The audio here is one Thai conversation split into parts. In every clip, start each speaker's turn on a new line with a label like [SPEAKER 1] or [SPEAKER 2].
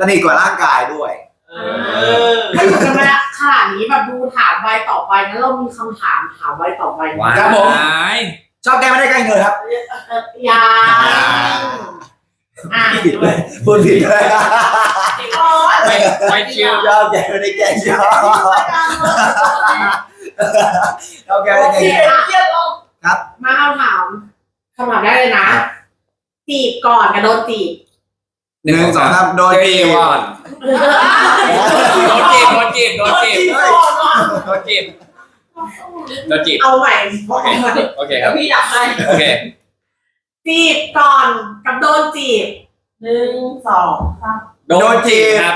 [SPEAKER 1] สนิทกว่าร่างกายด้วย
[SPEAKER 2] ถ้าอยู่กันมาขนาดนี้แบบดูถามใบต่อไปงั้นเรามีคำถามใบต่อไป
[SPEAKER 1] ครับผมชอบแกไม่ได้ใกล้เงินครับผิดเลยพูดผิดเลย
[SPEAKER 3] ไม่เชื่อ
[SPEAKER 1] ชอบแกไม่ได้แกชอบแกไม่ได้แกครับ
[SPEAKER 2] มาเอาถามคำถามได้เลยนะจีบก่อนกับโดนจีบ
[SPEAKER 1] 1 2 3โดนจีบก่อน
[SPEAKER 3] โดนจีบ
[SPEAKER 2] เอาใหม่
[SPEAKER 3] โอเคครับ
[SPEAKER 2] พี่อยากให้
[SPEAKER 3] โอเค
[SPEAKER 2] จีบก่อนกับโดนจีบ1 2 3
[SPEAKER 3] โดนจีบครับ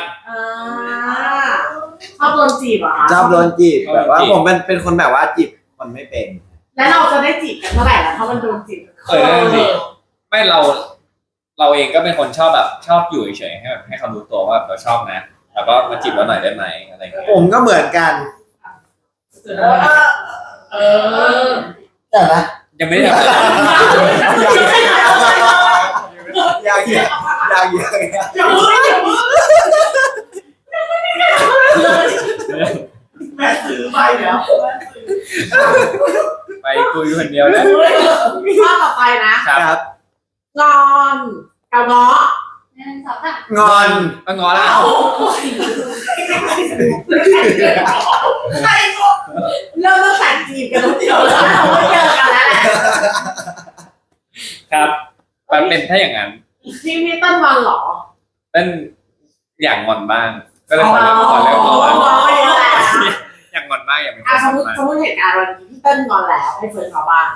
[SPEAKER 2] ชอบโดนจีบอ่ะ
[SPEAKER 1] ชอบโดนจีบแบบว่าผมเป็นคนแบบว่าจีบมันไม่เป็น
[SPEAKER 2] แล้วเราจะได้จีบกันเมื่อไหร่ล่ะถ้ามันโดนจีบ
[SPEAKER 3] ไม่เราเองก็เป็นคนชอบแบบชอบอยู่เฉยๆให้เขารู้ตัวว่าเราชอบนะแล้วก็มาจีบเราหน่อยได้ไหมอะไรอย่างเงี้ย
[SPEAKER 1] ผมก็เหมือนกันแต่นะ
[SPEAKER 3] ยังไม่ได้ทำ
[SPEAKER 1] อยาก
[SPEAKER 2] แม่ซื้อไปแล้ว
[SPEAKER 3] ไปคุยคนเดียวนะ
[SPEAKER 2] ข้อต่อไปนะครับงอนกับง้อง
[SPEAKER 1] อน
[SPEAKER 3] ก็งอแล้ว
[SPEAKER 2] เริ่มตั้งแต่จีบกันตรงเดียวแล้วเราเจอกันแล้วแหละ
[SPEAKER 3] ครับมันเป็นถ้าอย่างนั้น
[SPEAKER 2] พี่ต้นงอนหรอ
[SPEAKER 3] ต้นอยากงอนบ้างก็เลยขอเริ่มงอนอยากงอนบ้างอยากเป็น
[SPEAKER 2] สมมติเหตุการณ์วันนี้พี่ต้นงอนแล้วให้เฟิร์นเขาบ้าง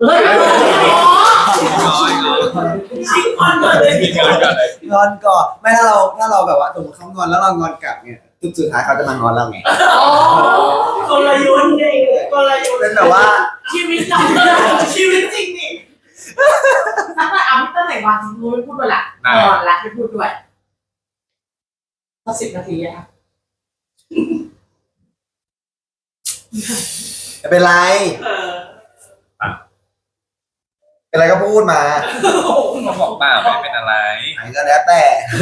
[SPEAKER 2] ชิงงอนเลย
[SPEAKER 1] งอนก่อนไม่ถ้าเราแบบว่าสมมติเขางอนแล้วเรางอนกลับเนี่ยสุดท้ายเขาจะมางอนเราไง
[SPEAKER 2] กลยุทธ์ไงกลยุทธ์
[SPEAKER 1] เป็นแบบว่า
[SPEAKER 2] ชีวิตจริงนี่ถ้าเอาพี่ต้นไหนวางจริงๆไม่พูดด้วยละงอนละไม่พูดด้วยสัก10 นาทีอะ
[SPEAKER 1] ไม่เป็นไรอะไรก็พูดมา
[SPEAKER 3] เขาบอกเปล่าไม่เป็นอะไร
[SPEAKER 1] ไหนก็แล้วแต่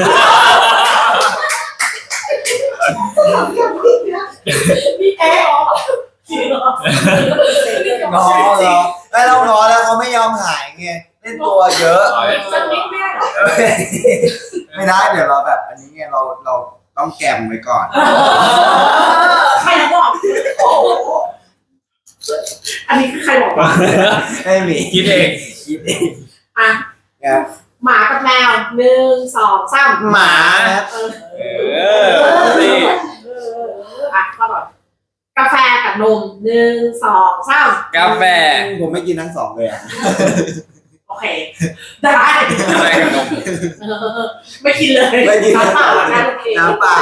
[SPEAKER 2] นี่แอบ
[SPEAKER 1] งอเหรอไม่เรางอแล้วเขาไม่ยอมหายไงเล่นตัวเยอะไม่ได้เดี๋ยวเราแบบอันนี้ไงเราต้องแกมไว้ก่อน
[SPEAKER 2] ใครบอกอันนี้คือใครบอกว่า
[SPEAKER 1] ไม่มี
[SPEAKER 3] คิดเอง
[SPEAKER 2] อ่ะหมากับแมว1 2 3
[SPEAKER 1] หมา
[SPEAKER 2] อ่ะข้อต่อกาแฟกับนม1 2 3
[SPEAKER 3] กาแฟ
[SPEAKER 1] ผมไม่กินทั้ง2เลยอ่ะ
[SPEAKER 2] โอเคได้
[SPEAKER 3] กับนม
[SPEAKER 2] ไม่กินเลยน้ำเปล่า
[SPEAKER 1] น้ำเปล่า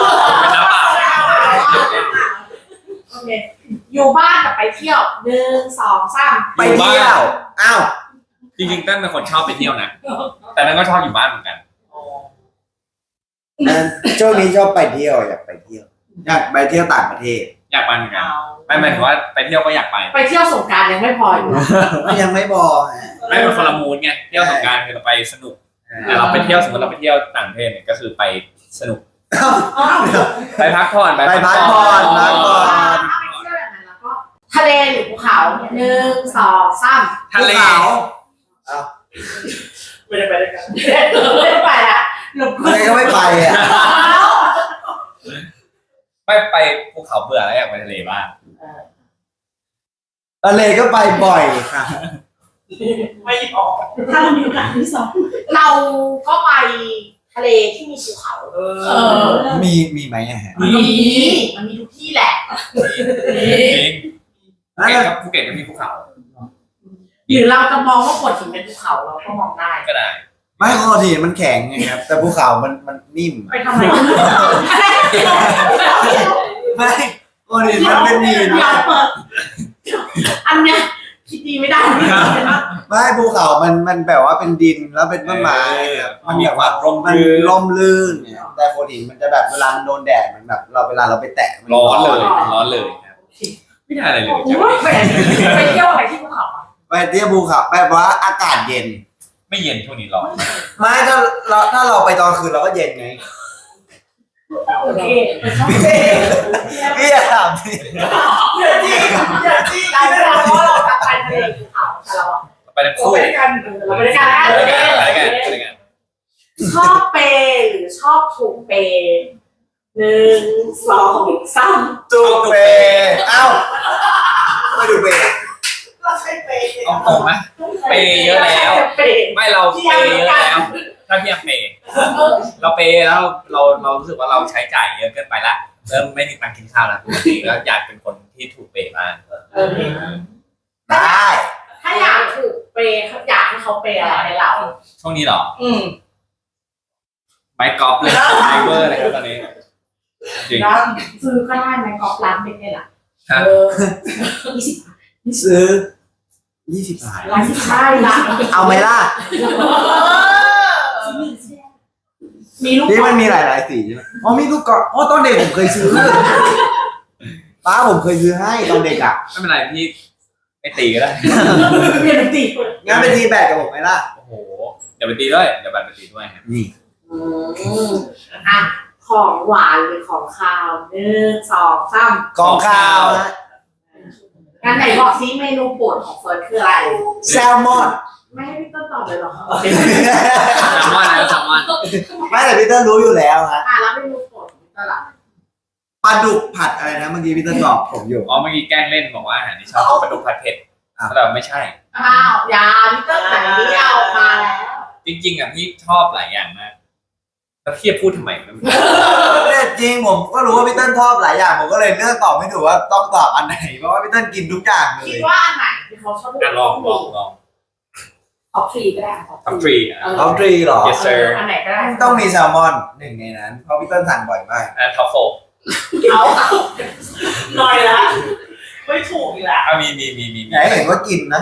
[SPEAKER 2] โอเคอยู่บ้านกับไปเที่ยว1 2 3
[SPEAKER 1] ไปเที่ยวอ้าว
[SPEAKER 3] จริงๆตั้นเป็นคนชอบไปเที่ยวนะแต่นั่นก็ชอบอยู่บ้านเหมือนกัน
[SPEAKER 1] ช่วงนี้ชอบไปเที่ยวอยากไปเที่ยวต่างประเทศ
[SPEAKER 3] อยากไปเหมือนกันไม่หมายถึงว่าไปเที่ยวก็อยากไป
[SPEAKER 2] เที่ยวสงกรานต์ยังไม่พออยู่
[SPEAKER 1] ยังไม่พอ
[SPEAKER 3] ไม่เป็นคนละมูดไงเที่ยวสงกรานต์คือเราไปสนุกแต่เราไปเที่ยวสมมติเราไปเที่ยวต่างประเทศเนี่ยก็คือไปสนุกไปพักผ่อน
[SPEAKER 1] ไปพักผ่อน
[SPEAKER 2] ทะเลหรือภูเขา1 2 3
[SPEAKER 3] ทะเล
[SPEAKER 2] ไม่ได้ไปด้วยกันไม่ได้ไปละ
[SPEAKER 1] ทะเลก็ไม่ไปอ่ะ
[SPEAKER 3] ไม่ไปภูเขาเบื่อแล้วอยากไปทะเลบ้าง
[SPEAKER 1] ทะเลก็ไปบ่อยค่ะ
[SPEAKER 2] ไม่ออกถ้าเรามีโอกาสที่2เราก็ไปทะเลที่มีภูเขา
[SPEAKER 1] มีไหมอ่ะ
[SPEAKER 2] มันมีทุกที่แหละ
[SPEAKER 3] ภูเก็ตก็มีภูเขา
[SPEAKER 2] หรือเราจะมองว่าโขดหินเป็นภูเขาเราก็มองได้
[SPEAKER 3] ก็ได้
[SPEAKER 1] ไม่โขดหินมันแข็งไงครับแต่ภูเขามันนิ่ม
[SPEAKER 2] ไปทำไม
[SPEAKER 1] ไม่โขดหินมันเป็นหิน
[SPEAKER 2] อันเนี้ยคิดดีไม่ได้
[SPEAKER 1] ไม่ภูเขามันแบบว่าเป็นดินแล้วเป็นต้นไม้มันแบบว่าร่มรื่นแต่โขดหินมันจะแบบเวลามันโดนแดดมันแบบเวลาเราไปแตะมัน
[SPEAKER 3] ร้อนเลยไม่ได้อะไรเลย
[SPEAKER 2] ไปเที่ยวอะไรที่ภูเขา
[SPEAKER 1] ไปเที่ยวภูเขาแบบว่าอากาศเย็น
[SPEAKER 3] ไม่เย็นช่วงนี้ร้อน
[SPEAKER 1] ไม่ถ้าเราไปตอนคืนเราก็เย็นไง
[SPEAKER 2] โอเคชอบเปย์
[SPEAKER 1] พี่อย่าถามสิ
[SPEAKER 2] อย่าจี้ได้เวลาเพราะเราไปทะเลภูเขาแต่เรา
[SPEAKER 3] ไปทั้งคู่
[SPEAKER 2] ไปด้วยกันเราไปด้วยกัน
[SPEAKER 3] ไปด้วยกัน
[SPEAKER 2] ชอบเปย์หรือชอบถูกเปย์1 2 3
[SPEAKER 1] จูเปเอ้าไม่ดูเป
[SPEAKER 2] เราใช้เปย์
[SPEAKER 3] เอาตรงไหมเปย์เยอะแล้ว
[SPEAKER 2] เปย์
[SPEAKER 3] ไม่เราเปย์เยอะแล้วถ้าพี่ยังเปย์เราเปย์แล้วเรารู้สึกว่าเราใช้จ่ายเยอะเกินไปละเริ่มไม่มีตังค์กินข้าวแล้วปกติแล้วอยากเป็นคนที่ถูกเปย์บ้าง
[SPEAKER 1] ได้
[SPEAKER 2] ถ้าอยากถูกเปย์อยากให้เขาเปย์อะไรให้เรา
[SPEAKER 3] ช่วงนี้เหรอ
[SPEAKER 2] อืม
[SPEAKER 3] ไมค์กอล์ฟเลยไมเวอร์เลยครับตอนนี้จริง
[SPEAKER 2] แล้วซื้อก็ได้ไหมกอล์ฟร้านเด็กเนี่ยล่ะ
[SPEAKER 3] ฮะ
[SPEAKER 1] ซื้อ20 บาท
[SPEAKER 2] ร้านที่ใช่ละ
[SPEAKER 1] เอาไหมล่ะ
[SPEAKER 2] มีลูก
[SPEAKER 1] นี่มันมีหลายสีใช่ไหมอ๋อมีลูกกอล์ฟอ๋อตอนเด็กผมเคยซื้อป้าผมเคยซื้อให้ตอนเด็กอ่ะ
[SPEAKER 3] ไม่เป็นไรพี่ไม่ตีก็ได้
[SPEAKER 2] เรียนดนตรี
[SPEAKER 1] งั้นไปตีแบดกับผมไหมล่ะ
[SPEAKER 3] โอ้โหเดี๋ยวไปตีด้วยเดี๋ยวไปตีด้วยครับ
[SPEAKER 1] นี่
[SPEAKER 2] อ่ะของหวานหรือของคาว1 2 3
[SPEAKER 1] กองข้าวฮะ
[SPEAKER 2] งั้นไหนบอกซิเมนูโปรดของเฟิร์สคืออะไร
[SPEAKER 1] แซลมอน
[SPEAKER 2] ไม่ให้พี่ต้นตอบเลยหรอ
[SPEAKER 3] แซลมอนนะแซลมอน
[SPEAKER 1] ไม่แต่พี่เติ้ลรู้อยู่แล้วฮะ
[SPEAKER 2] แล้วเมนูโปรดของพี่ต้นล่ะ
[SPEAKER 1] ปลาดุกผัดอะไรนะเมื่อกี้พี่เติ้ลบอกผมอยู่
[SPEAKER 3] อ๋อเมื่อกี้แกล้งเล่นบอกว่าอาหารที่ชอบปลาดุกผัดเผ็ดแต่ไม่ใช่
[SPEAKER 2] อ้าวยาพี่ต้นไหนที่เอามาแล้ว
[SPEAKER 3] จริงๆอ่ะพี่ชอบหลายอย่างมากแล้วพี่จะพูดทำไมไม่รู้
[SPEAKER 1] แต่จริงผมก็รู้ว่าพี่เติ้ลชอบหลายอย่างผมก็เลยเลือกตอบไม่ถูกว่าต้องตอบอันไหนเพราะว่าพี่เติ้ลกินทุกอย่างเล
[SPEAKER 2] คิ
[SPEAKER 1] ย
[SPEAKER 2] ดว่าอันไหนที่เขาชอบ
[SPEAKER 3] ลอง
[SPEAKER 2] ท็อป3ก็ได้
[SPEAKER 3] ท็อปทรีอ่ะ
[SPEAKER 1] ท็อปทรีหรอ
[SPEAKER 3] Yes sir
[SPEAKER 2] อันไหนก็ได้
[SPEAKER 1] ต้องมีแซลมอนหนึ่งในนั้นเพราะพี่เติ้ลสั่งบ่อยมาก
[SPEAKER 3] ท็อปโฟ
[SPEAKER 2] เอาหน่อยละไม่ถูกอีกแล้ว
[SPEAKER 3] มี
[SPEAKER 1] ไหนเห็นว่ากินนะ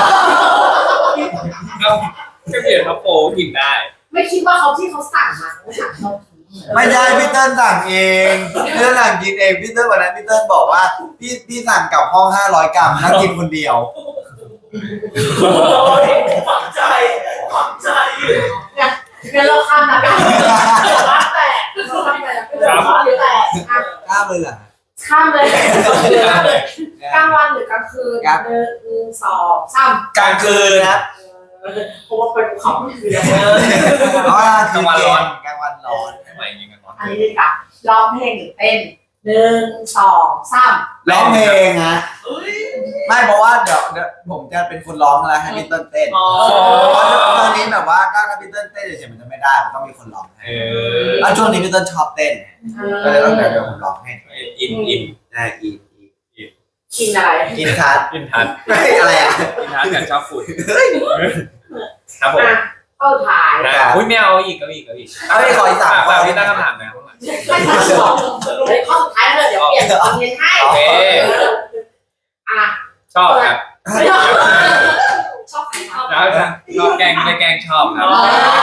[SPEAKER 3] ก็เปลี่ยนท็อปโฟกินได้
[SPEAKER 2] ไม่คิดว่าเขาที่เขาสั่งมาเขาสั่งเขา
[SPEAKER 1] ไม่ใช่พี่เติ้ลสั่งเองพี่เติ้ลสั่งกินเองพี่เติ้ลวันนั้นพี่เติ้ลบอกว่าพี่สั่งกลับห้อง500 กรัมแล้วกินคนเดียว
[SPEAKER 2] ฝังใจงั้นเราข้ามนะกันว่าแต่
[SPEAKER 1] กล้าเลยเหรอ
[SPEAKER 2] ข้ามเลยกลางวันหรือกลางคืน1 2 3
[SPEAKER 1] กลางคืนครับ
[SPEAKER 2] เพราะว่าเป็นภูเขาคือ
[SPEAKER 1] เพราะว่ากลางวันร้อนกลางวันร้อน
[SPEAKER 3] ทำไมยิงกันร้อน
[SPEAKER 2] อันนี้ดีกว่าร้องเพลงหรือเต้น1 2 3
[SPEAKER 1] ร้องเพลงฮะไม่เพราะว่าเดี๋ยวผมจะเป็นคนร้องแล้วให้พี่เติ้ลเต้นเพราะตอนนี้แบบว่าถ้าพี่เติ้ลเต้นเฉยๆมันจะไม่ได้มันต้องมีคนร้องให้แล้วช่วงนี้พี่เติ้ลชอบเต้นก็เลยต้องเดี๋ยวผมร้องให้
[SPEAKER 3] อิน
[SPEAKER 1] นะอี
[SPEAKER 2] กินอะไร
[SPEAKER 1] กินทัด
[SPEAKER 3] อินทัน
[SPEAKER 1] ไม่อะไรอ่ะ
[SPEAKER 3] อินทันกับชอบฝุ่นครับผม
[SPEAKER 2] เข้าถ่าย
[SPEAKER 3] นะอุ้ยไม่เอาอีกก็อีก
[SPEAKER 1] เอาไปขออีก3 ข้อ
[SPEAKER 3] พี่ตั้งคำถามนะ
[SPEAKER 2] ไม่ใช่ข้อสุดท้ายเลยเดี๋ยวเปลี่ยนตอนเย็นให้
[SPEAKER 3] โอเค
[SPEAKER 2] อ่ะ
[SPEAKER 3] ชอบครับ
[SPEAKER 2] ชอบใครชอบ
[SPEAKER 3] ชอบแกงไม่ได้แกงชอบครับ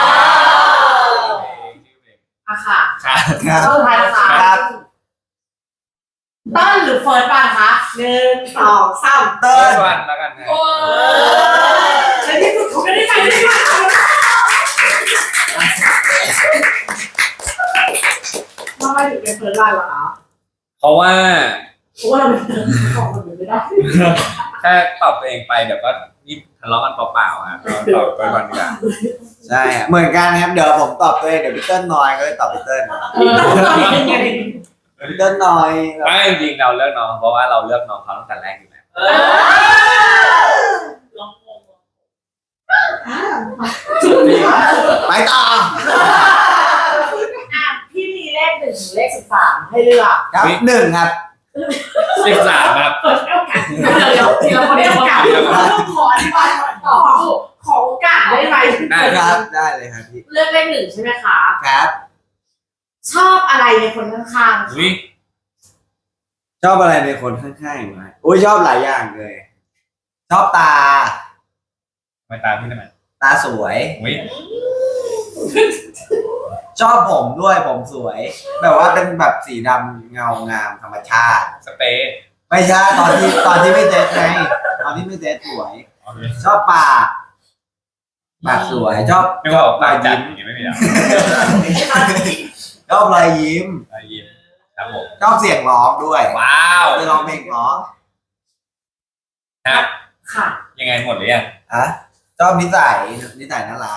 [SPEAKER 2] อ่ะค่ะ
[SPEAKER 3] ครับ
[SPEAKER 1] ครับ
[SPEAKER 2] เข้าถ่ายค่ะ
[SPEAKER 1] ครับ
[SPEAKER 2] ต้นหรือเฟิร์สบ้านคะ1 2 3
[SPEAKER 1] เติ้ล
[SPEAKER 3] วันแล้วกันนะ
[SPEAKER 2] โอ้ในที่สุดเขาไม่ได้ไปได้มาทำไมถึงเป็นเฟิร์สบ้านล่ะคะ
[SPEAKER 3] เพราะว่า
[SPEAKER 2] เพราะว่าเราเป็นของคนอื่นไม่ได้
[SPEAKER 3] ถ้าตอบตัวเองไปเดี๋ยวก็นี่ทะเลาะกันเปล่าๆครับตอบไปก่อนดีกว่า
[SPEAKER 1] ใช่อะเหมือนกันครับเดี๋ยวผมตอบตัวเองเดี๋ยวพี่เติ้ลน้อยก็เลยตอบพี่เติ้ลพี่เติ้ลน้อย
[SPEAKER 3] ไม่จริงๆเราเลือกน้องเพราะว่าเราเลือกน้องเขาตั้งแต่แรกอยู่แล้ว
[SPEAKER 1] ไปต่อ
[SPEAKER 2] พี่มีเลข1 ถึงเลข 13ให้เลือก
[SPEAKER 1] ครับ1ครับ
[SPEAKER 3] 13ครับ
[SPEAKER 2] เปิดให้โอกาสเดี๋ยวเราไม่ได้โอกาสต้องขออธิบายต่อขอโอกาสได้ไหม
[SPEAKER 1] ครับได้เลยครับพี่
[SPEAKER 2] เลือกเลข1ใช่ไหมคะ
[SPEAKER 1] ครับ
[SPEAKER 2] ชอบอะไรในคนข้างๆ
[SPEAKER 3] อุ้ย
[SPEAKER 1] ชอบอะไรในคนข้างๆไหมอุ้ยชอบหลายอย่างเลย ชอบตา
[SPEAKER 3] มาตามพี่ได้ไหม
[SPEAKER 1] ตาสวย
[SPEAKER 3] อุ้ย
[SPEAKER 1] ชอบผมด้วยผมสวย แบบว่าเป็นแบบสีดำเงางามธรรมชาติ
[SPEAKER 3] สเปรย์
[SPEAKER 1] ไม่ใช่ตอนที่ไม่เซ็ตไงตอนที่ไม่เซ็ตสวย ชอบปากสวยชอบ
[SPEAKER 3] ไม่ว่าปากจัดอย่างนี้ไม่มีหรอ
[SPEAKER 1] ชชอบรอยยิ้ม
[SPEAKER 3] รอยยิ้มครับผม
[SPEAKER 1] ชอบเสียงร้องด้วย
[SPEAKER 3] ว้าว
[SPEAKER 1] จะร้องเพลงเพราะ
[SPEAKER 3] ฮะ
[SPEAKER 2] ค่ะ
[SPEAKER 3] ยังไงหมดหรือยัง
[SPEAKER 1] อะชอบนิสัยน่ารัก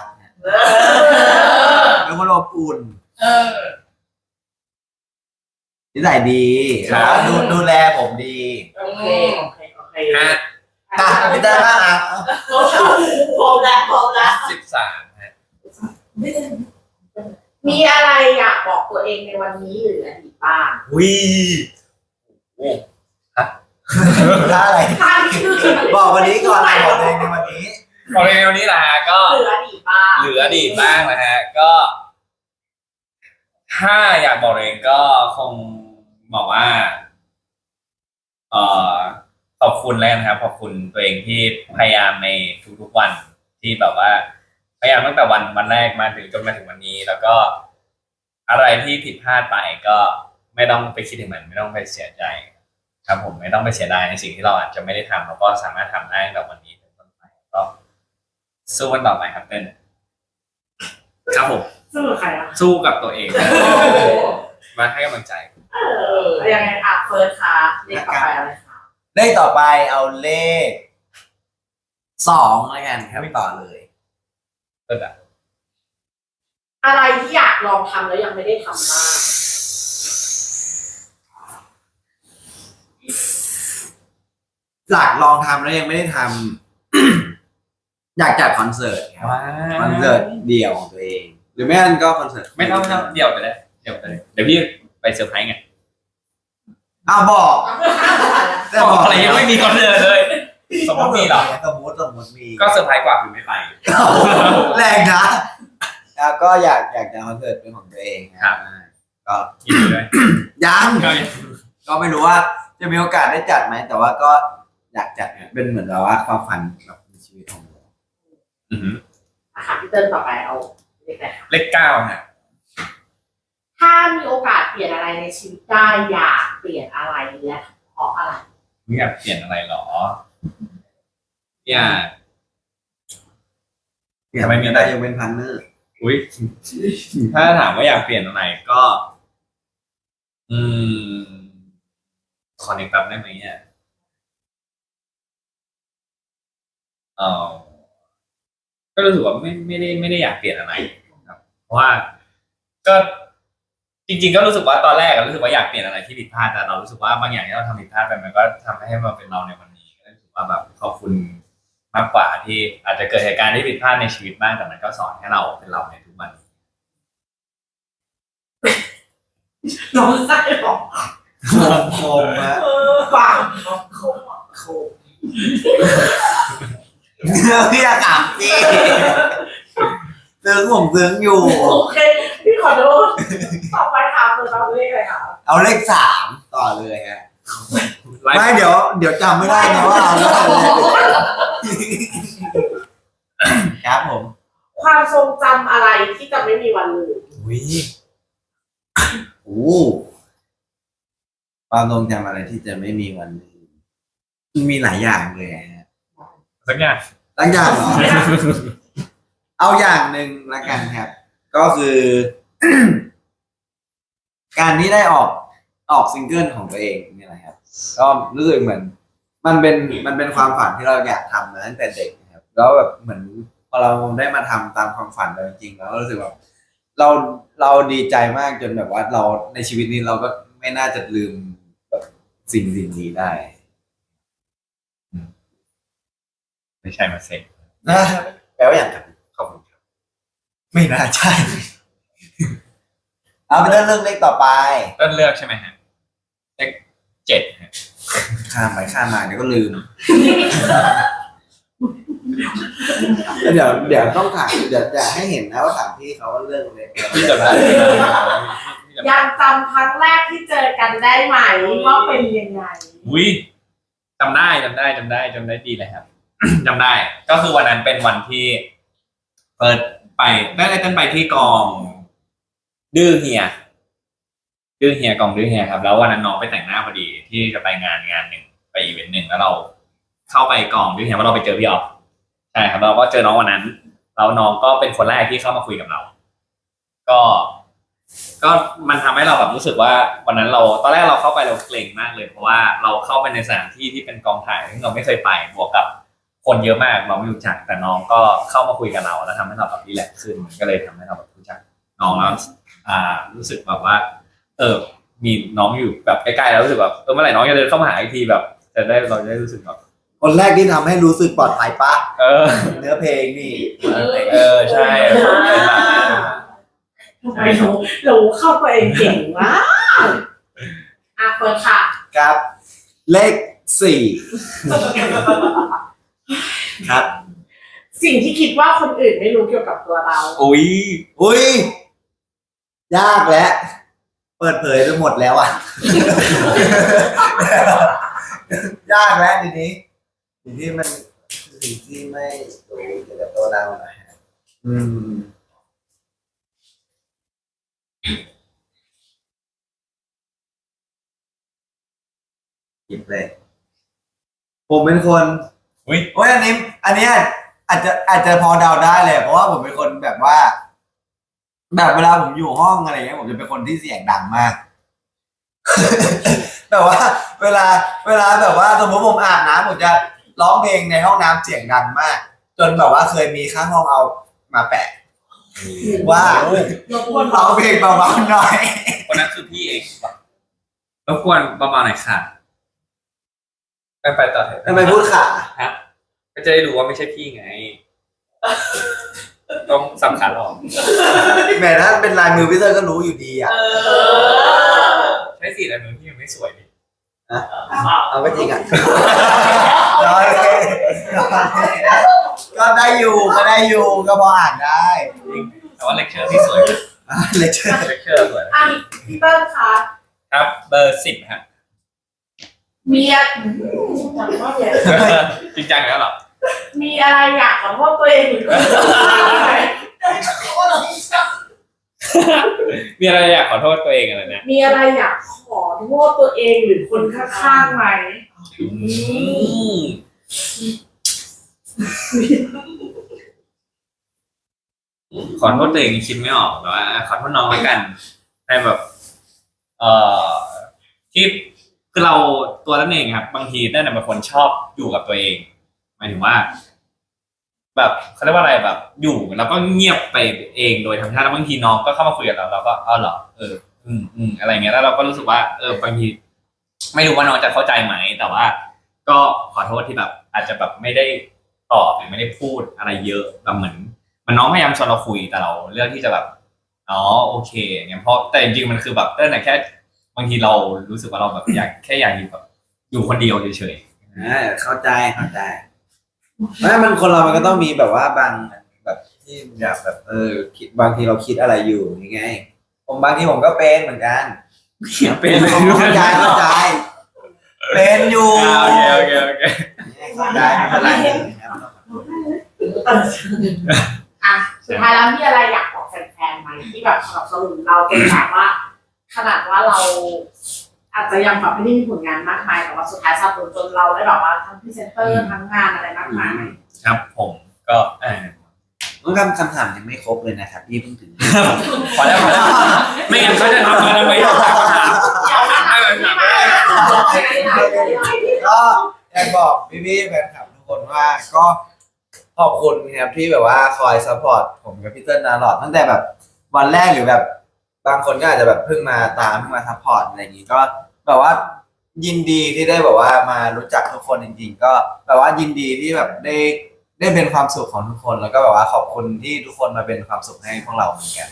[SPEAKER 1] เป็นคนอบอุ่นนิสัยดีแล้วดูแลผมดี
[SPEAKER 2] โอเค
[SPEAKER 3] ฮะ
[SPEAKER 1] พี่เต้บ้างอ่ะ
[SPEAKER 2] พร้อมแล้ว
[SPEAKER 3] 13ฮะ
[SPEAKER 2] มีอะไรอยากบอกตัวเองในวันนี้หรืออดีตบ้าง
[SPEAKER 3] วิโอ้
[SPEAKER 1] ถ้าอะไร
[SPEAKER 2] ท่านคือ
[SPEAKER 1] บอกวันนี้ก่อนบอกเลยในวันนี้
[SPEAKER 3] พอในวันนี้แหละฮะก็
[SPEAKER 2] เหลืออดีตบ้าง
[SPEAKER 3] เหลืออดีตบ้างนะฮะก็ ถ้าอยากบอกเองก็คงบอกว่าเอ่อขอบคุณแล้วกันครับขอบคุณตัวเองที่พยายามในทุกๆวันที่แบบว่า พยายามตั้งแต่วันแรกมาถึงจนมาถึงวันนี้ แล้วก็อะไรที่ผิดพลาดไปก็ไม่ต้องไปคิดถึงมันไม่ต้องไปเสียใจ ครับผมไม่ต้องไปเสียดายในสิ่งที่เราอาจจะไม่ได้ทำเราก็สามารถทำได้ตั้งแต่วันนี้เป็นต้นไปก็สู้กันต่อไปครับเต้นครับผม
[SPEAKER 2] สู้กับใครอ่ะ
[SPEAKER 3] สู้กับตัวเองมาให้กำลังใจ
[SPEAKER 2] ยังไงอ่ะเฟิร์สค่ะเด็กต่อไปอะไรคะ
[SPEAKER 1] เลขต่อไปเอาเลข2แล้วกันครับต่อเลย
[SPEAKER 3] เต้นอะ
[SPEAKER 2] อะไรที่อยากลองทำแล้วยังไม่ได้ทำบ้าง
[SPEAKER 1] หลักลองทำแล้วยังไม่ได้ทำ อยากจัดคอนเสิร์ตครับคอนเสิร์ตเดี่ยวของตัวเอง หรือไม่งั้นก็คอนเสิร์ต
[SPEAKER 3] ไม่ต้องเดี๋ยวไปเลยเดี๋ยวพี่ไปเซอร์ไพรส์ไง
[SPEAKER 1] อ้าวบอกแต่
[SPEAKER 3] บอกอะไรยังไม่มีคอนเสิร์ตเลยสมมติมีเหรอ
[SPEAKER 1] สมมติมี
[SPEAKER 3] ก็เซอร์ไพรส์กว่าคือไม่ไป
[SPEAKER 1] แรงนะแล้วก็อยากจะคอนเสิร์ตเป็นของตัวเอง
[SPEAKER 3] ครับ
[SPEAKER 1] ก็
[SPEAKER 3] ยินดีด้วย
[SPEAKER 1] ยัง
[SPEAKER 3] ก็
[SPEAKER 1] ก็ไม่รู้ว่าจะมีโอกาสได้จัดไหมแต่ว่าก็อยากจัดเป็นเหมือนแบบว่าความฝันแบบในชีวิตของเรา
[SPEAKER 3] อือหือ
[SPEAKER 2] อ่ะค่ะพี่เติ้ลต่อไปเอาเลขไหนคะ
[SPEAKER 3] เลข9ฮะ
[SPEAKER 2] ถ้ามีโอกาสเปลี่ยนอะไรในชีวิตได้อยากเปลี่ยนอะไรและเพราะอะไร
[SPEAKER 3] ไม่อยากเปลี่ยนอะไรหรออยาก ทำไมมีอะไร
[SPEAKER 1] ได้ยังเป็นพันเนอร์
[SPEAKER 3] อุ้ยถ้าถามว่าอยากเปลี่ยนอะไรก็ อืมขอนึกแป๊บได้ไหมเนี่ยเออก็รู้สึกว่าไม่ได้อยากเปลี่ยนอะไรครับ เพราะว่าก็จริงๆก็รู้สึกว่าตอนแรกรู้สึกว่าอยากเปลี่ยนอะไรที่ผิดพลาดแต่เรารู้สึกว่าบางอย่างที่เราทำผิดพลาดไปมันก็ทำให้มาเป็นเราในวันนี้ก็รู้สึกว่าแบบขอบคุณมากกว่าที่อาจจะเกิดเหตุการณ์ที่ผิดพลาดในชีวิตบ้างแต่มันก็สอนให้เราเป็นเราในทุกวัน
[SPEAKER 2] น้องไส้หรอ
[SPEAKER 1] โคมฮะ
[SPEAKER 2] ฟังโคม
[SPEAKER 1] พี่อยากถามสิซึ้งผมซึ้งอยู่
[SPEAKER 2] โอเคพี่ขอโทษต่อไปค่ะเฟิร์สเอาเลขอะไรคะ
[SPEAKER 1] เอาเลข3ต่อเลยฮะไม่เดี๋ยวจำไม่ได้นะว่าเอาเลขอะไรครับผม
[SPEAKER 2] ความทรงจำอะไรที่จะไม่มีวันลืม
[SPEAKER 3] อุ้ย
[SPEAKER 1] โอ้ความทรงจำอะไรที่จะไม่มีวันลืมมีหลายอย่างเลยฮะ
[SPEAKER 3] สักอย่าง
[SPEAKER 1] หลายอย่างเหรอ เอาอย่างหนึ่งละกันครับ ก็คือ การที่ได้ออกซิงเกิลของตัวเองนี่แหละครับ ก็รู้สึกเหมือน มันเป็นความฝันที่เราอยากทำมาตั้งแต่เด็กนะครับ แล้วแบบเหมือนพอเราได้มาทำตามความฝันเราจริงๆแล้วรู้สึกแบบเราดีใจมากจนแบบว่าเราในชีวิตนี้เราก็ไม่น่าจะลืมแบบสิ่งนี้ได้
[SPEAKER 3] ไม่ใช่มาเซ็ง
[SPEAKER 1] นะแปลว่าอย่างไร
[SPEAKER 3] ขอบคุณครับ
[SPEAKER 1] ไม่น่าใช่ เอาไปเรื่องเลขต่อไป
[SPEAKER 3] ต้นเลือกใช่ไหมฮะเลข7ฮะ
[SPEAKER 1] ข้ามไปข้ามมาเดี๋ยวก็ลืมแล้วเดี๋ยวต้องถามเดี๋ยวจะให้เห็นนะว่าถามพี่เขาว่าเรื่องอะไร
[SPEAKER 3] พี่จำได้
[SPEAKER 2] ยังจำครั้งแรกที่เจอกันได้ไหมว่าเป็นยังไง
[SPEAKER 3] อุ้ยจำได้ดีเลยครับ จำได้ ก็คือวันนั้นเป็นวันที่เปิดไปได้ต้นไปที่กองดื้อเฮียกองดื้อเฮียครับ แล้ววันนั้นน้องไปแต่งหน้าพอดีที่จะไปงานหนึ่งไปอีเวนต์หนึ่งแล้วเราเข้าไปกองดื้อเฮียว่าเราไปเจอพี่ออฟใช่ครับเราก็เจอน้องวันนั้นแล้วน้องก็เป็นคนแรกที่เข้ามาคุยกับเรา ก็ก็มันทำให้เราแบบรู้สึกว่าวันนั้นเราตอนแรกเราเข้าไปเราเกรงมากเลยเพราะว่าเราเข้าไปในสถานที่ที่เป็นกองถ่ายซึ่งเราไม่เคยไปบวกกับคนเยอะมากเราไม่รู้จักแต่น้องก็เข้ามาคุยกับเราแล้วทำให้เราแบบรีแลกซ์ขึ้นก็เลยทำให้เราแบบรู้จักน้องแล้วรู้สึกแบบว่ามีน้องอยู่แบบใกล้ๆแล้วรู้สึกแบบเมื่อไหร่น้องจะเดินเข้ามาหาอีกทีแบบเราจะได้รู้สึกแบบ
[SPEAKER 1] คนแรกที่ทำให้รู้สึกปลอดภัยปะ เนื้อเพลงนี่
[SPEAKER 3] ใช่
[SPEAKER 2] ทำไมเราเข้าตัวเองเก่งมากเปิดค่ะ
[SPEAKER 1] ครับ เลข 4 ครับ
[SPEAKER 2] สิ่งที่คิดว่าคนอื่นไม่รู้เกี่ยวกับตัวเรา
[SPEAKER 3] อุ้ย
[SPEAKER 1] ยากแล้วเปิดเผยไปหมดแล้วอ่ะ ยากแล้วทีนี้สิ่งที่มันสิ่งที่ไม่รู้เกี่ยวกับตัวเรานะฮะหยิบเลยผมเป็นคน
[SPEAKER 3] อุ้ย
[SPEAKER 1] โอ้ยอันนี้อาจจะพอเดาได้เลยเพราะว่าผมเป็นคนแบบว่า แบบเวลาผมอยู่ห้องอะไรเงี้ยผมจะเป็นคนที่เสียงดังมาก แต่ว่าเวลาแบบว่าสมมติผมอาบน้ำผมจะร้องเพลงในห้องน้ำเสียงดังมาก จนแบบว่าเคยมีข้างห้องเอามาแปะว่ารบกวนร้องเพลงเบาๆหน่อย
[SPEAKER 3] คนนั้นคือพี่เองรบกวนเบาๆหน่อยค่ะไปต่อเถอะ
[SPEAKER 1] ทำไมพูดขา
[SPEAKER 3] ก็จะได้รู้ว่าไม่ใช่พี่ไง ต้องสำคัญหรอก
[SPEAKER 1] แหมถ้าเป็นลายมือพี่เตอร์ก็รู้อยู่ดีอ่ะ
[SPEAKER 3] ใช้สีอะไรมือพี่มันไม่สวยดิ
[SPEAKER 1] เอาก็จริงอ่ะรอเลยก็ได้อยู่ก็พออ่านได้
[SPEAKER 3] แต่ว่าเลคเชอร์ที่สวย
[SPEAKER 1] เลคเชอร์
[SPEAKER 3] สวย
[SPEAKER 2] พี่เติ้ลคะ
[SPEAKER 3] ครับเบอร์10ครับ
[SPEAKER 2] มีจังว่าเนี่ย
[SPEAKER 3] จริงจังแล้วเหรอ
[SPEAKER 2] มีอะไรอยากขอโทษตัวเองหรือเปล่า
[SPEAKER 3] มีอะไรอยากขอโทษตัวเองอะไรนะ
[SPEAKER 2] มีอะไรอยากขอโทษตัวเองหรือคนข้างๆไหม
[SPEAKER 3] ขอโทษตัวเองคิดไม่ออกแต่ว่าขอโทษน้องแล้วกันในแบบที่คือเราตัวนั่นเองครับบางทีนั่นเป็นคนชอบอยู่กับตัวเองหมายถึงว่า แบบเขาเรียกว่าอะไรแบบอยู่แล้วก็เงียบไปเองโดยธรรมชาติแล้วบางทีน้องก็เข้ามาคุยกับเราก็เหรออะไรเงี้ยแล้วเราก็รู้สึกว่าบางทีไม่รู้ว่าน้องจะเข้าใจไหมแต่ว่า ก็ขอโทษที่แบบอาจจะแบบไม่ได้ตอบหรือไม่ได้พูดอะไรเยอะแบบเหมือนมันน้องพยายามชวนเราคุยแต่เราเลือกที่จะแบบโอเคอย่างเงี้ยเพราะแต่จริงๆมันคือแบบตั้งแต่แค่บางทีเรารู้สึกว่าเราแบบอยากอยู่แบบอยู่คนเดียวเฉยๆ
[SPEAKER 1] เข้าใจไม่มันคนเรามันก็ต้องมีแบบว่าบางแบบที่อยากแบบคิดบางทีเราคิดอะไรอยู่ยังไงผมบางทีผมก็เป็นเหมือนกัน
[SPEAKER 3] เป็นเลย
[SPEAKER 1] เข้าใจเป็นอยู่
[SPEAKER 3] โอเค
[SPEAKER 1] เข้าใจไม่เป็นไร
[SPEAKER 2] สุดท้ายแล้วมีอะไรอยากบอกแฟนๆไหมที่แบบสนับสนุนเราเป็นแบบว่าขนาดว่าเราอาจจะยังแบบไม่ได้มีผลงานมากมายแต่ว่าสุดท้ายสนับสนุนจนเราได้แบบว่าทั้งพรีเซนเตอร์ทั้งงานอะไรมากมาย
[SPEAKER 3] ครับผมก็
[SPEAKER 1] คำถามยังไม่ครบเลยนะครับพี่เพิ่งถึง
[SPEAKER 3] พอแล้วไม่งั้นเขาจะทำมาทำไมถาม
[SPEAKER 1] ก็อยากบอกพี่ๆแฟนคลับทุกคนว่าก็ขอบคุณครับที่แบบว่าคอยซัพพอร์ตผมกับพี่เติ้ลตลอดตั้งแต่แบบวันแรกหรือแบบบางคนก็อาจจะแบบเพิ่งมาซัพพอร์ตอะไรอย่างนี้ก็แบบว่ายินดีที่ได้แบบว่ามารู้จักทุกคนจริงๆก็แบบว่ายินดีที่แบบได้เป็นความสุขของทุกคนแล้วก็แบบว่าขอบคุณที่ทุกคนมาเป็นความสุขให้พวกเราเหมือนกัน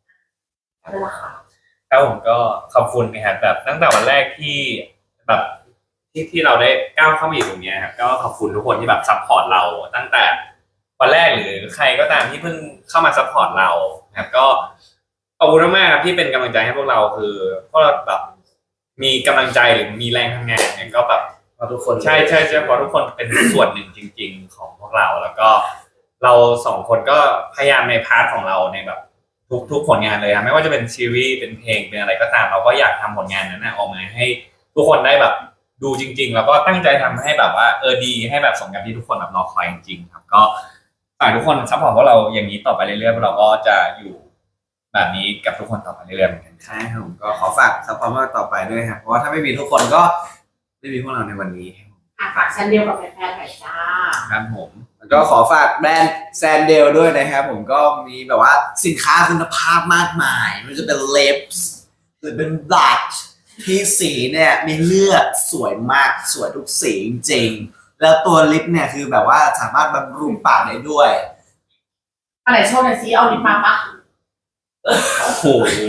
[SPEAKER 3] ครับผมก็ขอบคุณนะครับแบบตั้งแต่วันแรกที่แบบที่เราได้ก้าวเข้ามาอยู่ตรงนี้ครับก็ขอบคุณทุกคนที่แบบซัพพอร์ตเราตั้งแต่วันแรกหรือใครก็ตามที่เพิ่งเข้ามาซัพพอร์ตเราครับก็ขอบคุณมากๆครับที่เป็นกำลังใจให้พวกเราคือพวกเราแบบมีกำลังใจหรือมีแรงทำงานเนี่ยก็แบบ
[SPEAKER 1] ทุกคน
[SPEAKER 3] ใช่เพราะทุกคนเป็นส่วนหนึ่งจริงๆของพวกเราแล้วก็เราสองคนก็พยายามในพาร์ทของเราในแบบทุกผลงานเลยครับไม่ว่าจะเป็นซีรีส์เป็นเพลงเป็นอะไรก็ตามเราก็อยากทำผลงานนั้นออกมาให้ทุกคนได้แบบดูจริงๆแล้วก็ตั้งใจทำให้แบบว่าดีให้แบบสมกับที่ทุกคนแบบรอคอยจริงๆครับก็ฝากทุกคนซัพพอร์ตพวกเราอย่างนี้ต่อไปเรื่อยๆพวกเราก็จะอยู่แบบนี้กับทุกคนต่อไปเรื่อยๆเหมือนกันครับ
[SPEAKER 1] ใช่ครับผมก็ขอฝากซัพพอร์ตต่อไปด้วยครับเพราะว่าถ้าไม่มีทุกคนก็ไม่มีพวกเราในวันนี้
[SPEAKER 2] ฝากแซนเดียวกับแฟนๆหน่อยจ้า
[SPEAKER 3] ครับผม
[SPEAKER 1] แล้วก็ขอฝากแบรนด์แซนเดลด้วยนะครับผมก็มีแบบว่าสินค้าคุณภาพมากมายไม่ว่าจะเป็นเล็บหรือเป็นบลัชที่สีเนี่ยมีเลือดสวยมากสวยทุกสีจริงๆแล้วตัวลิปเนี่ยคือแบบว่าสามารถบำรุงปากได้ด้วย
[SPEAKER 2] อะไรโชว์หน่อยซิเอาลิปมาปะ
[SPEAKER 3] โอ้โห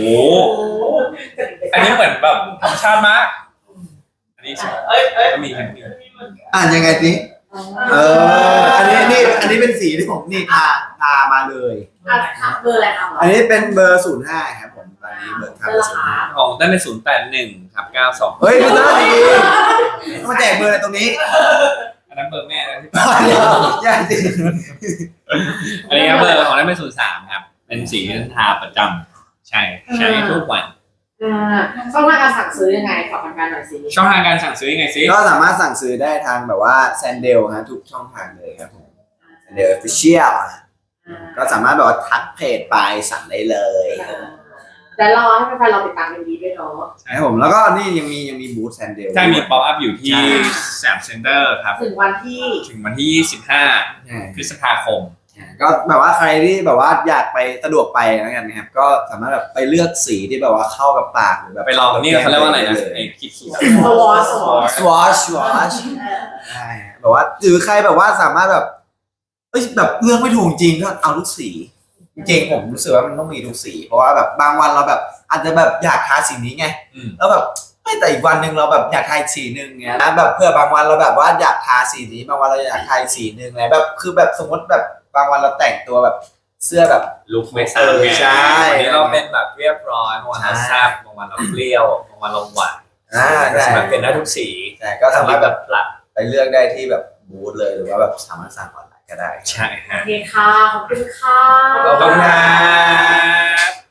[SPEAKER 3] อันนี้เหมือนแบบธรรมชาติมากอันนี้ก็มีแค่นี้
[SPEAKER 1] อ่านยังไงสิอันนี้เป็นสีที่ผมนี่ทามาเลย
[SPEAKER 2] เบอร์อะไรครับ
[SPEAKER 1] อันนี้เป็นเบอร์ 05ครับผมตอนนี้เบอร์ทา
[SPEAKER 2] เบอร์ราคา
[SPEAKER 3] ของได้เป็น081ครับ92
[SPEAKER 1] เฮ้ยพี่ต้นดีๆมาแจกเบอร์อะไรตรงนี้
[SPEAKER 3] อันนั้นเบอร์แม่นะที่
[SPEAKER 1] เดี๋ยวอย่าสิ
[SPEAKER 3] อันนี้ครับเบอร์ของได้เป็น03ครับเป็นสีที่ทาประจำใช่ทุกวัน
[SPEAKER 2] ช่องทางการสั่งซื้อยังไงฝากแฟนๆหน่อยสิ
[SPEAKER 3] ช่องทางการสั่งซื้อยังไงซิ
[SPEAKER 1] ก็สามารถสั่งซื้อได้ทางแบบว่าแซนเดลฮะทุกช่องทางเลยครับผมแซนเดลออฟฟิเชียลก็สามารถแบบว่าทักเพจไปสั่งได้เลย
[SPEAKER 2] แต่รอให้แฟนๆเราติดตามกันดีด้วยเนาะ
[SPEAKER 1] ครับผมแล้วก็นี่ยังมีบูธแซนเดล
[SPEAKER 3] ใช่มีป๊อปอัพอยู่ที่แซมเซ็นเตอร์ครับ
[SPEAKER 2] ถึงวันที่
[SPEAKER 3] ถึงวันที่25พฤษภาคม
[SPEAKER 1] ก็แบบว่าใครที่แบบว่าอยากไปสะดวกไปแล้วกันนะครับก็สามารถแบบไปเลือกสีที่แบบว่าเข้ากับปากหรือแบบ
[SPEAKER 3] ไปลองนี่เขาเรียกว่าอะไรนะไอ้ขีด
[SPEAKER 2] สวอช
[SPEAKER 1] สวอชใช่แบบว่าหรือใครแบบว่าสามารถแบบแบบเลือกไม่ถูกจริงก็เอาทุกสีจริงๆผมรู้สึกว่ามันต้องมีทุกสีเพราะว่าแบบบางวันเราแบบอาจจะแบบอยากทาสีนี้ไงแล้วแบบไม่แต่อีกวันหนึ่งเราแบบอยากทาสีหนึ่งเงี้ยนะแบบเพื่อบางวันเราแบบว่าอยากทาสีนี้บางวันเราอยากทาสีหนึ่งอะไรแบบคือแบบสมมติแบบบางวันเราแต่งตัวแบบเสื้อแบบ
[SPEAKER 3] ลุคไม่ซ้ำไง
[SPEAKER 1] ใช่
[SPEAKER 3] วันนี้เราเป็นแบบเรียบร้อยบางวันเราแซ่บบางวันเราเปรี้ยวบางวันเราหวาน
[SPEAKER 1] ใช่
[SPEAKER 3] มันเป็นได้ทุกสี
[SPEAKER 1] ใช่ก็สามารถแบบ
[SPEAKER 3] ปรับ
[SPEAKER 1] ไปเลือกได้ที่แบบบูธเลยหรือว่าแบบสามารถสั่งออนไลน์ก็ได้
[SPEAKER 3] ใช่ฮะ
[SPEAKER 2] โอเคค่ะ ขอบคุณค่ะ
[SPEAKER 3] ขอบคุณครับ